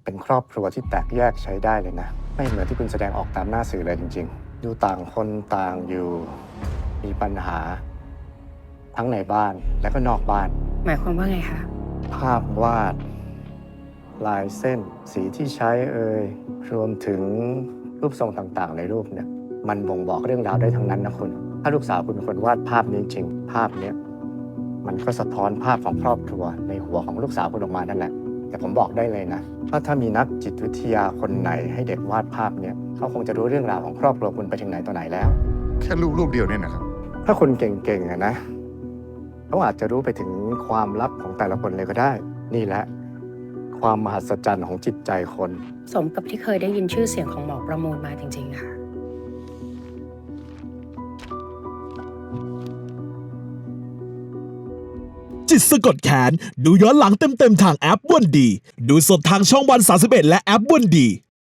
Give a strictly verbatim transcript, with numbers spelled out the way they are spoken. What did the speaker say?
เป็นครอบครัวที่แตกแยกใช้ได้เลยนะไม่เหมือนที่คุณแสดงออกตามหน้าสื่อเลยจริงๆดูต่างคนต่างอยู่มีปัญหา ทั้งในบ้านและก็นอกบ้านหมายความว่าไงคะภาพวาด ลายเส้น สีที่ใช้เอ่ยรวมถึงรูปทรงต่างๆ ในรูปเนี่ยมันบ่งบอกเรื่องราวได้ทั้งนั้นนะคุณถ้าลูกสาวคุณเป็นคนวาดภาพนี้จริงภาพเนี้ยมันก็สะท้อนภาพของครอบครัวในหัวของลูกสาวคุณออกมานั่นแหละแต่ผมบอกได้เลยนะว่าถ้ามีนักจิตวิทยาคนไหนให้เด็กวาดภาพเนี่ยเขาคงจะรู้เรื่องราวของครอบครัวคุณไปถึงไหนต่อไหนแล้วแค่รูปรูปเดียวเนี่ยนะครับถ้าคนเก่งๆอะนะเขาอาจจะรู้ไปถึงความลับของแต่ละคนเลยก็ได้ นี่แหละความมหัศจรรย์ของจิตใจคนสมกับที่เคยได้ยินชื่อเสียงของหมอประมูลมาจริงๆค่ะจิตสะกดแขนดูย้อนหลังเต็มๆทางแอปวันดี ดูสดทางช่องวันสามสิบเอ็ดและแอปวันดี